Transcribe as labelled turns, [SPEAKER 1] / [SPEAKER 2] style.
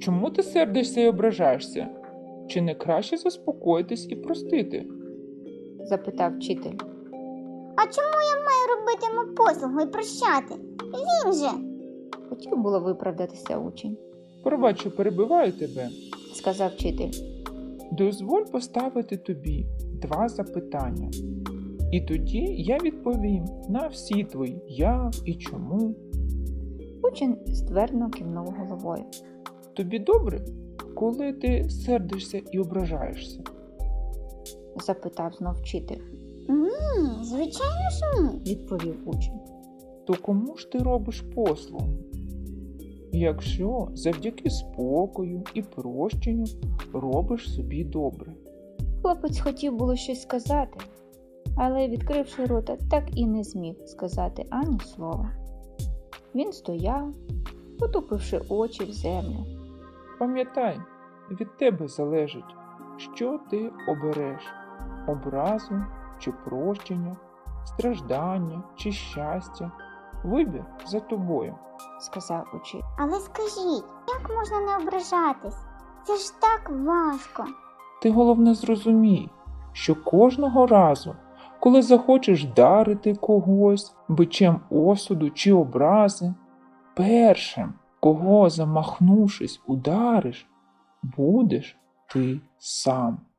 [SPEAKER 1] Чому ти сердишся і ображаєшся? Чи не краще заспокоїтись і простити?
[SPEAKER 2] Запитав вчитель.
[SPEAKER 3] А чому я маю робити йому послугу і прощати? Він же.
[SPEAKER 2] Хотів було виправдатися учень.
[SPEAKER 1] Пробач, що перебиваю тебе.
[SPEAKER 2] Сказав вчитель.
[SPEAKER 1] Дозволь поставити тобі 2 запитання. І тоді я відповім на всі твої як і чому.
[SPEAKER 2] Учень ствердно кивнув головою.
[SPEAKER 1] Тобі добре, коли ти сердишся і ображаєшся?
[SPEAKER 2] Запитав знов вчитель.
[SPEAKER 3] Ні, звичайно ж ні.
[SPEAKER 2] Відповів учень.
[SPEAKER 1] То кому ж ти робиш послугу? Якщо завдяки спокою і прощенню робиш собі добре.
[SPEAKER 2] Хлопець хотів було щось сказати, але, відкривши рота, так і не зміг сказати ані слова. Він стояв, потупивши очі в землю.
[SPEAKER 1] Пам'ятай, від тебе залежить, що ти обереш – образу чи прощення, страждання чи щастя. Вибір за тобою.
[SPEAKER 2] Сказав учитель.
[SPEAKER 3] Але скажіть, як можна не ображатись? Це ж так важко.
[SPEAKER 1] Ти головне зрозумій, що кожного разу, коли захочеш вдарити когось бичем осуду чи образи, першим, кого замахнувшись удариш, будеш ти сам.